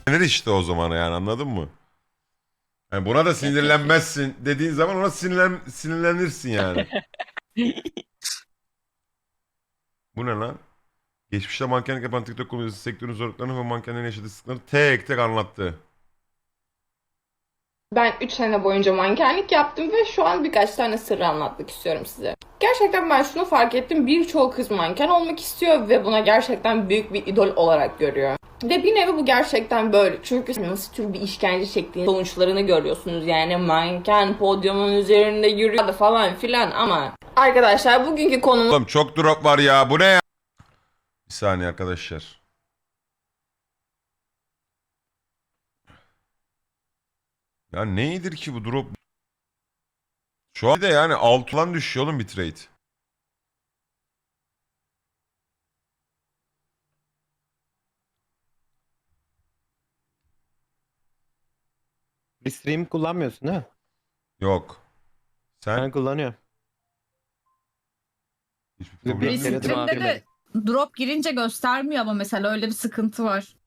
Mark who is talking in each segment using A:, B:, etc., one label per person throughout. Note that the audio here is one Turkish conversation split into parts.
A: Sinir işte o zaman yani, anladın mı? Yani buna da sinirlenmezsin dediğin zaman ona sinirlenirsin yani. Bu ne lan? Geçmişte mankenlik yapan TikTok kullanıcısı sektörün zorluklarını ve mankenlerin yaşadığı sıkıntıları tek tek anlattı.
B: Ben 3 sene boyunca mankenlik yaptım ve şu an birkaç tane sırrı anlatmak istiyorum size. Gerçekten ben şunu fark ettim. Birçok kız manken olmak istiyor ve buna gerçekten büyük bir idol olarak görüyor. Ve bir nevi bu gerçekten böyle. Çünkü nasıl tür bir işkence çektiğin sonuçlarını görüyorsunuz. Yani manken podyumun üzerinde yürüyor falan filan ama... Arkadaşlar bugünkü konumuz...
A: Oğlum çok drop var ya, bu ne ya? Bir saniye arkadaşlar. Ya neydir ki bu drop? Şu an de yani altından düşüyor oğlum bitrate.
C: Restream kullanmıyorsun değil mi?
A: Yok. Sen
C: Ben kullanıyorum.
A: hiçbir
C: Bir
A: problem yok.
C: kere de
D: Restream'de de drop girince göstermiyor ama mesela öyle bir sıkıntı var.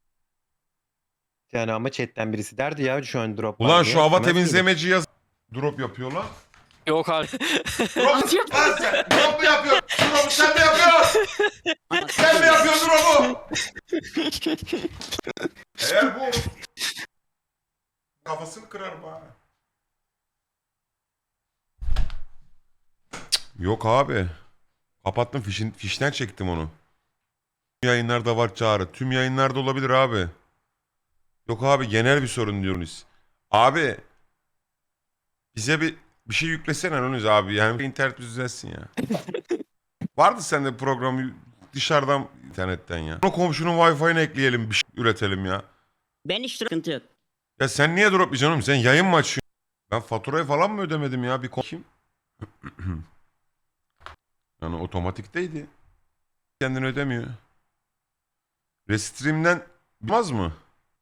C: Yani ama chatten birisi derdi ya şu an drop var
A: Ulan
C: diye.
A: şu hava
C: Demez miydi?
A: temizlemeci yaz. Drop yapıyor lan.
E: Yok abi.
A: Drop, lan sen drop mu yapıyorsun? Drop'u sen mi yapıyorsun? Sen mi yapıyorsun drop'u? Eğer bu kafasını kırar bana. Yok abi. Kapattım, fişten çektim onu. Tüm yayınlarda var çağrı. Tüm yayınlarda olabilir abi. Yok abi, genel bir sorun diyorsunuz. Abi bize bir şey yüklesene Nuniz abi. Yani internet düzelsin ya. Vardı sende programı dışarıdan internetten ya. O komşunun Wi-Fi'ni ekleyelim, bir şey üretelim ya.
F: Ben hiç sıkıntı yok.
A: Ya sen niye drop yiyeceksin oğlum? Sen yayın mı açıyorsun? Ben faturayı falan mı ödemedim ya? Bir kim? Yani otomatikteydi. Kendini ödemiyor. Restream'den bilmez mı?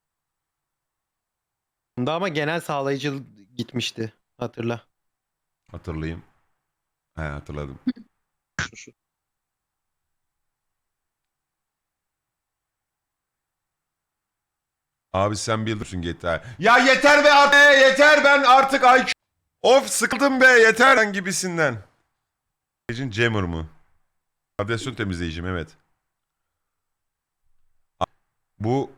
C: Bunda ama genel sağlayıcı gitmişti. Hatırla.
A: Hatırlayayım. He, hatırladım. Abi sen bilirsin GTA. Ya yeter be abi, yeter, ben artık IQ... Of sıkıldım be, yeter lan gibisinden. Gecin jammer mı? Radyasyon temizleyicim, evet. Bu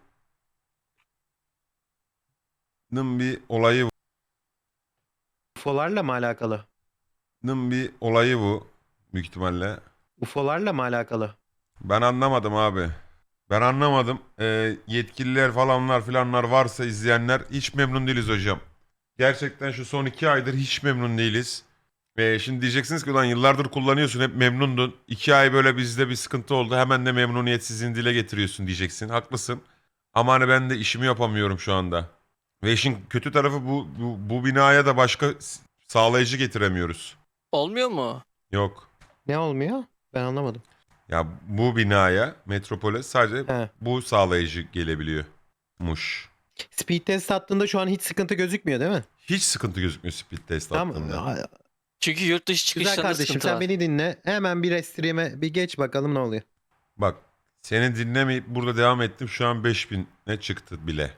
A: bir olayı bu.
C: UFO'larla mı alakalı?
A: Bir olayı bu büyük ihtimalle.
C: UFO'larla mı alakalı?
A: Ben anlamadım abi. Ben anlamadım. Yetkililer falanlar filanlar varsa izleyenler, hiç memnun değiliz hocam. Gerçekten şu son 2 aydır hiç memnun değiliz. Şimdi diyeceksiniz ki ulan yıllardır kullanıyorsun, hep memnundun. 2 ay böyle bizde bir sıkıntı oldu, hemen de memnuniyetsizliğini dile getiriyorsun diyeceksin. Haklısın. Ama hani ben de işimi yapamıyorum şu anda. Ve işin kötü tarafı bu binaya da başka sağlayıcı getiremiyoruz.
E: Olmuyor mu?
A: Yok.
C: Ne olmuyor? Ben anlamadım.
A: Ya bu binaya, metropole sadece
C: He.
A: bu sağlayıcı gelebiliyormuş.
C: Speed test attığında şu an hiç sıkıntı gözükmüyor değil mi?
A: Hiç sıkıntı gözükmüyor speed test attığında.
C: Tamam.
E: Çünkü yurt dışı
C: Güzel
E: çıkışlarında
C: kardeşim
E: sıkıntı
C: sen
E: var.
C: beni dinle. Hemen bir restream'e bir geç bakalım ne oluyor.
A: Bak, seni dinlemeyip burada devam ettim, şu an 5000'e çıktı bile.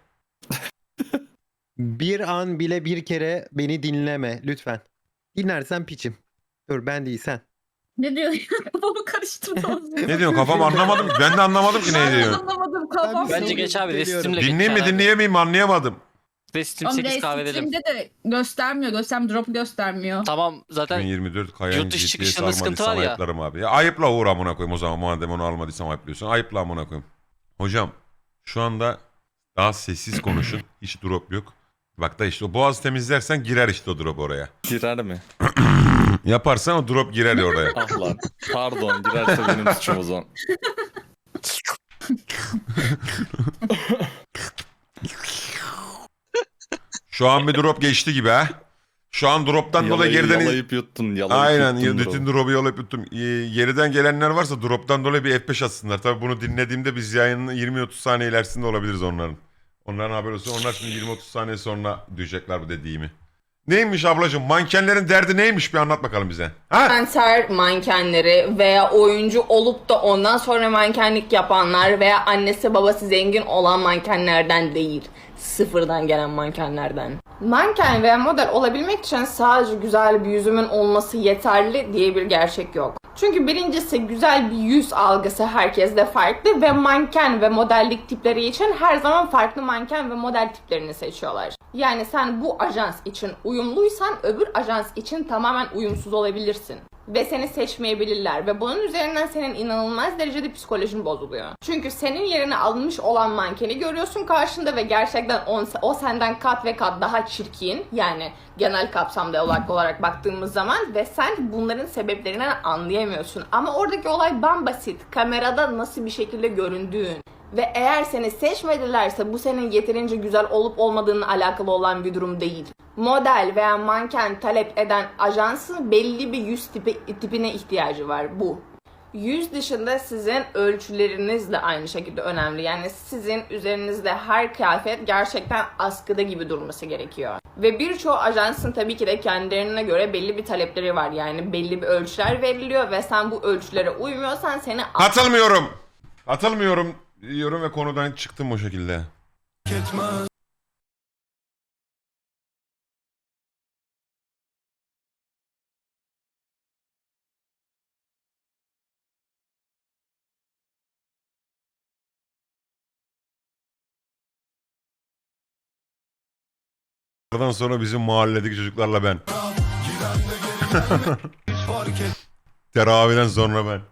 C: Bir an bile bir kere beni dinleme lütfen. Dinlersen piçim. Dur ben değil sen.
D: Ne diyor ya? Kafamı karıştırdınız.
A: Ne diyorsun, kafam anlamadım. Ben de anlamadım ki ne
D: Ben
A: diyorsun.
D: anlamadım kafam.
C: Ben
E: Bence
C: bir
E: geç abi.
C: geliyorum.
E: Restream'le
A: Dinleyeyim mi
E: geç abi.
A: dinleyemeyim mi anlayamadım.
E: Restream
D: Ama
E: 8 kahve edelim.
D: Restream'de de göstermiyor. Drop göstermiyor.
E: Tamam zaten
A: 2024 Kayan
E: yurt dışı
A: GTS
E: çıkışlarında sıkıntı
A: almadıysam
E: var ya.
A: ayıplarım abi. Ya ayıpla Uğur amına koyayım o zaman, madem onu almadıysam ayıplıyorsun. Ayıpla amına koyayım. Hocam şu anda daha sessiz konuşun. Hiç drop yok. Bak da işte o boğaz temizlersen girer işte o drop oraya.
G: Girer mi?
A: Yaparsan o drop girer ya oraya.
G: Ah lan. Pardon girerse benim suçum o zaman.
A: Şu an bir drop geçti gibi ha. Şu an droptan dolayı geriden...
G: Yalayıp yuttun. Yalayıp
A: Aynen,
G: yuttun
A: bütün
G: bro.
A: drop'u yalayıp yuttum. Geriden gelenler varsa drop'tan dolayı bir F5 atsınlar. Tabii bunu dinlediğimde biz yayının 20-30 saniye ilerisinde olabiliriz onların. Onların haberi olsun. Onlar şimdi 20-30 saniye sonra duyacaklar bu dediğimi. Neymiş ablacığım? Mankenlerin derdi neymiş bir anlat bakalım bize. Ha?
B: Kanser mankenleri veya oyuncu olup da ondan sonra mankenlik yapanlar veya annesi babası zengin olan mankenlerden değil. Sıfırdan gelen mankenlerden. Manken veya model olabilmek için sadece güzel bir yüzümün olması yeterli diye bir gerçek yok. Çünkü birincisi güzel bir yüz algısı herkeste farklı ve manken ve modellik tipleri için her zaman farklı manken ve model tiplerini seçiyorlar. Yani sen bu ajans için uyumluysan öbür ajans için tamamen uyumsuz olabilirsin. Ve seni seçmeyebilirler ve bunun üzerinden senin inanılmaz derecede psikolojin bozuluyor. Çünkü senin yerine alınmış olan mankeni görüyorsun karşında ve gerçekten o senden kat ve kat daha çirkin, yani genel kapsamda olarak baktığımız zaman, ve sen bunların sebeplerini anlayamıyorsun. Ama oradaki olay bambasit. Kamerada nasıl bir şekilde göründüğün. Ve eğer seni seçmedilerse bu senin yeterince güzel olup olmadığınla alakalı olan bir durum değil. Model veya manken talep eden ajansın belli bir yüz tipine ihtiyacı var bu. Yüz dışında sizin ölçüleriniz de aynı şekilde önemli. Yani sizin üzerinizde her kıyafet gerçekten askıda gibi durması gerekiyor. Ve birçoğu ajansın tabii ki de kendilerine göre belli bir talepleri var. Yani belli bir ölçüler veriliyor ve sen bu ölçülere uymuyorsan seni...
A: Katılmıyorum. Katılmıyorum diyorum ve konudan çıktım o şekilde. Oradan sonra bizim mahalledeki çocuklarla ben. Teravihden sonra ben.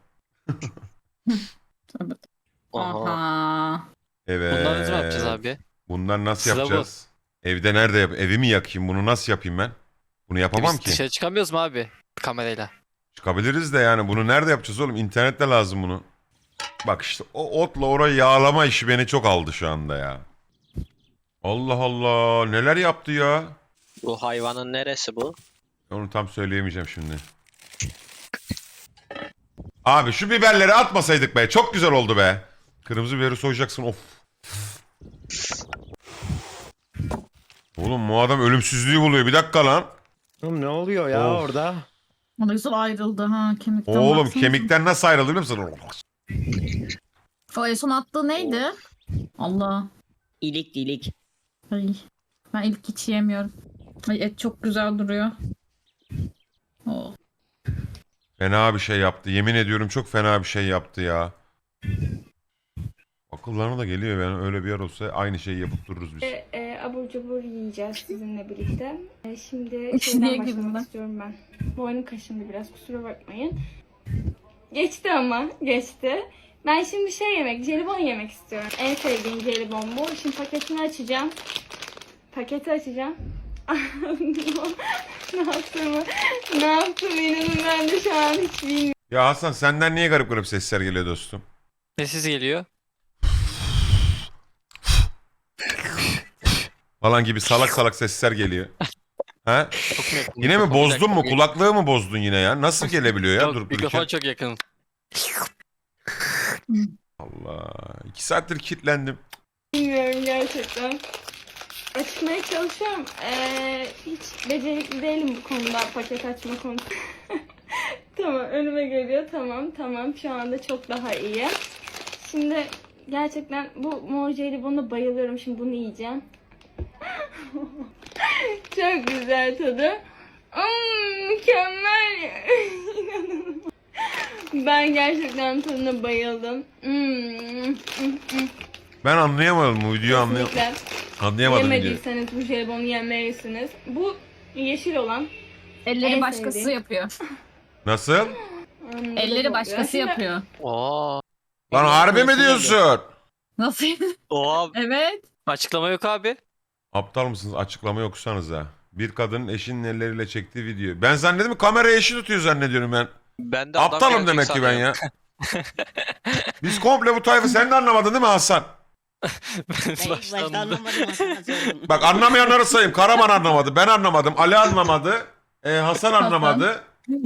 D: Aha.
A: Evet.
E: Bunları nasıl yapacağız abi?
A: Bunlar nasıl
E: Sıra bu.
A: yapacağız? Evde nerede yap? Evi mi yakayım? Bunu nasıl yapayım ben? Bunu yapamam
E: Biz
A: ki.
E: dışarı çıkamıyoruz mu abi kamerayla?
A: Çıkabiliriz de yani bunu nerede yapacağız oğlum? İnternette lazım bunu. Bak işte o otla orayı yağlama işi beni çok aldı şu anda ya. Allah Allah, neler yaptı ya?
H: Bu hayvanın neresi bu?
A: Onu tam söyleyemeyeceğim şimdi. Abi şu biberleri atmasaydık be. Çok güzel oldu be. Kırmızı biberi soyacaksın, of. Oğlum bu adam ölümsüzlüğü buluyor. Bir dakika lan.
C: Oğlum ne oluyor ya
A: Of.
C: orada?
D: O da güzel ayrıldı ha kemikten.
A: Oğlum
D: baksanıza.
A: kemikten nasıl ayrıldı biliyor musun?
D: O en son attığı neydi? Allah.
F: İlik ilik.
D: Ay. Ben ilk hiç yiyemiyorum. Ay, et çok güzel duruyor. Oh.
A: Fena bir şey yaptı. Yemin ediyorum çok fena bir şey yaptı ya. Akıllarına da geliyor yani, öyle bir yer olsa aynı şeyi yapıp dururuz biz.
I: Abur cubur yiyeceğiz sizinle birlikte. Şimdi
D: Niye
I: şeyden
D: girdin
I: başlamak
D: lan?
I: istiyorum ben. Boynum kaşındı biraz, kusura bakmayın. Geçti ama geçti. Ben şimdi jelibon yemek istiyorum. En sevdiğim jelibon bu. Şimdi paketini açacağım. Paketi açacağım. ne yaptım inanın ben de şu an hiç bilmiyorum.
A: Ya Hasan, senden niye garip garip sesler geliyor dostum?
E: Ne sesi geliyor?
A: Falan gibi salak salak sesler geliyor. Ha?
E: Çok mu yakın?
A: Yine mi
E: Mikrofon, bir
A: bozdun mu?
E: dakika.
A: Kulaklığı mı bozdun yine ya? Nasıl gelebiliyor ya
E: Yok,
A: durup
E: mikrofon
A: dururken?
E: çok yakın.
A: Allah. 2 saattir kilitlendim.
I: Bilmiyorum gerçekten. Açmaya çalışıyorum. Hiç becerikli değilim bu konuda, paket açma konusunda. Tamam, önüme geliyor. Tamam. Şu anda çok daha iyi. Şimdi gerçekten bu mor jelibona bayılıyorum. Şimdi bunu yiyeceğim. Çok güzel tadı. Mükemmel. İnanılmaz. Ben gerçekten tadına bayıldım.
A: Ben anlayamadım bu videoyu
I: Kesinlikle.
A: anlayamadım diyor.
I: Yemediyseniz bu jelibonu yemelisiniz. Bu yeşil olan.
D: Elleri
I: En
D: başkası
I: sevdiğim.
D: yapıyor.
A: Nasıl?
D: Elleri başkası yapıyor.
E: Oo.
A: Lan harbi mi diyorsun?
D: Nasıl?
E: Oha.
D: Evet.
E: Açıklama yok abi.
A: Aptal mısınız? Açıklama okusanız ha. Bir kadının eşinin elleriyle çektiği video. Ben zannediyorum kamerayı eşi tutuyor zannediyorum ben.
H: Ben de adam
A: Aptalım
H: gelecek
A: demek ki ben
H: sanıyorum.
A: ya. Biz komple bu tayfı, sen de anlamadın değil mi Hasan?
F: Ben ilk başta anlamadım aslında söyledim.
A: Bak anlamayanları sayayım. Karaman anlamadı, ben anlamadım, Ali anlamadı, Hasan anlamadı.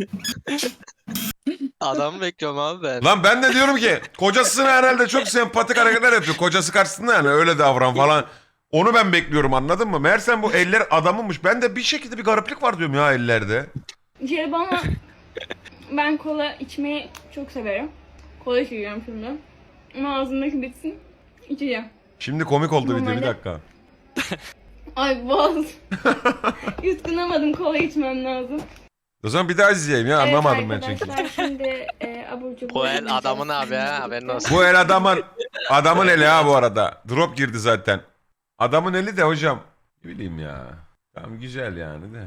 H: Adamı bekliyorum abi ben.
A: Lan ben de diyorum ki kocasına herhalde çok sempatik hareketler yapıyor. Kocası karşısında yani öyle davran falan. Onu ben bekliyorum, anladın mı? Meğersem bu eller adamınmış. Ben de bir şekilde bir gariplik var diyorum ya ellerde.
I: Jelibonla ben kola içmeyi çok severim. Kola içiyorum şimdi. Ama ağzımdaki bitsin. İçeceğim.
A: Şimdi komik oldu video, bir
I: Normalde-
A: dakika.
I: Ay boğaz. Yutkunamadım, kola içmem lazım.
A: O zaman bir daha izleyeyim ya, anlamadım ben
I: Evet
A: çünkü.
I: arkadaşlar şimdi abur cubur.
H: Bu el
I: yemeyeceğiz.
H: adamın abi ha, haberin olsun.
A: Bu el adamın eli ha bu arada. Drop girdi zaten. Adamın eli de hocam. Ne bileyim ya. Tamam güzel yani de.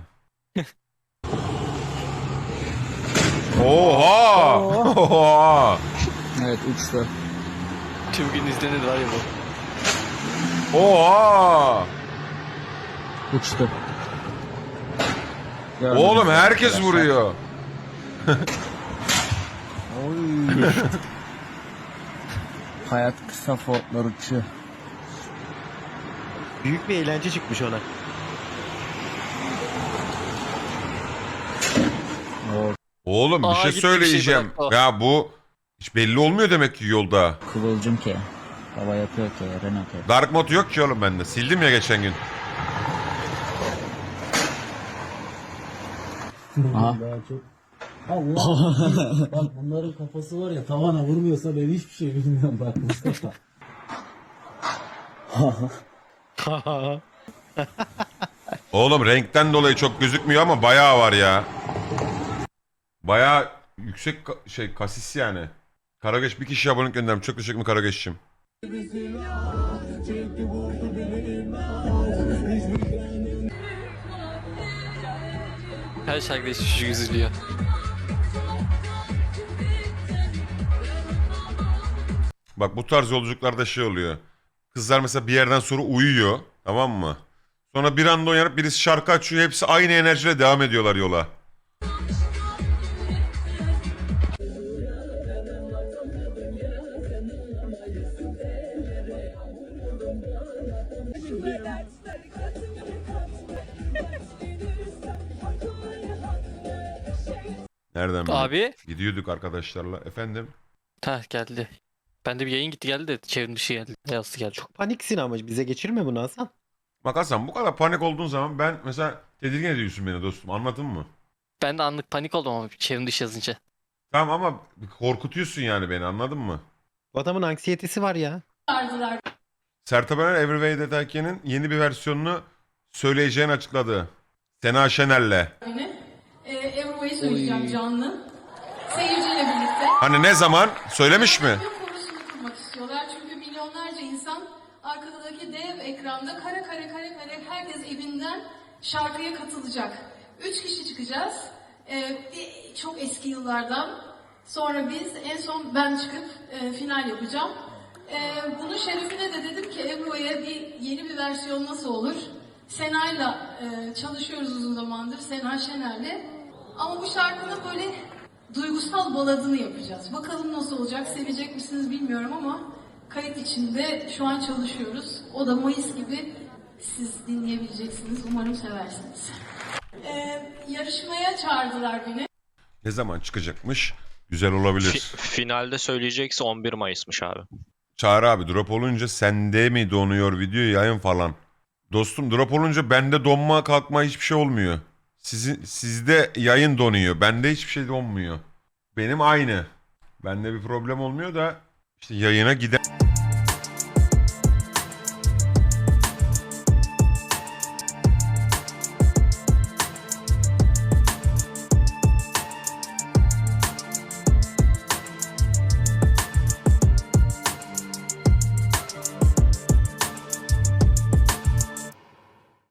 A: Oha! Oha!
J: Evet uçtu.
E: Tüm gün izlenir var ya bu.
A: Oha!
J: Uçtu.
A: Oğlum herkes vuruyor.
J: Oy. Hayat kısa fotlar uçuyor.
C: Büyük bir eğlence çıkmış ona.
A: Oğlum bir
E: Aa,
A: şey
E: gitti bir şey
A: söyleyeceğim.
E: bıraktı o.
A: Ya bu hiç belli olmuyor demek ki yolda.
J: Kıvılcım ki. Hava yapıyor ki. Renault ki.
A: Dark mode yok ki oğlum bende. Sildim ya geçen gün.
J: Aha.
K: Allah. Bak bunların kafası var ya, tavana vurmuyorsa ben hiçbir şey bilmiyorum bak Mustafa.
A: Oğlum renkten dolayı çok gözükmüyor ama bayağı var ya. Bayağı yüksek kasis yani. Karageç bir kişi abonelik gönderdim. Çok teşekkür ederim Karageç'cim.
E: Her şarkıda hiç çocuk üzülüyor.
A: Bak bu tarz yolculuklarda şey oluyor. Kızlar mesela bir yerden sonra uyuyor. Tamam mı? Sonra bir anda uyanıp birisi şarkı açıyor. Hepsi aynı enerjiyle devam ediyorlar yola. Nereden bileyim?
E: Abi.
A: Gidiyorduk arkadaşlarla. Efendim?
E: Heh geldi. Bende bir yayın gitti geldi de çevrim dışı geldi. Yazdı geldi.
C: Paniksin ama bize geçirme bunu Hasan.
A: Bak Hasan bu kadar panik olduğun zaman ben mesela tedirgin ediyorsun beni dostum, anladın mı?
E: Ben de anlık panik oldum ama çevrim dışı yazınca.
A: Tamam ama korkutuyorsun yani beni, anladın mı?
C: Bu adamın anksiyetesi var ya.
A: Sertab Erener Everyway Detake'nin yeni bir versiyonunu söyleyeceğini açıkladı. Sena Şener'le.
I: Ebru'yu söyleyeceğim canlı. Seyirciyle birlikte.
A: Hani ne zaman? Söylemiş mi?
I: Konusunu kurmak istiyorlar çünkü milyonlarca insan arkadaki dev ekranda kare herkes evinden şarkıya katılacak. 3 kişi çıkacağız. Çok eski yıllardan. Sonra biz en son ben çıkıp final yapacağım. Bunun şerefine de dedim ki Ebru'ya yeni bir versiyon nasıl olur? Sena'yla çalışıyoruz uzun zamandır, Sena Şener'le. Ama bu şarkının böyle duygusal baladını yapacağız. Bakalım nasıl olacak, sevecek misiniz bilmiyorum ama kayıt içinde şu an çalışıyoruz. O da Mayıs gibi siz dinleyebileceksiniz. Umarım seversiniz. Yarışmaya çağırdılar beni.
A: Ne zaman çıkacakmış? Güzel olabilir.
H: Finalde söyleyecekse 11 Mayıs'mış abi.
A: Çağrı abi drop olunca sende mi donuyor video yayın falan? Dostum drop olunca bende donma kalkma hiçbir şey olmuyor. Sizde yayın donuyor. Bende hiçbir şey donmuyor. Benim aynı. Bende bir problem olmuyor da işte yayına giden...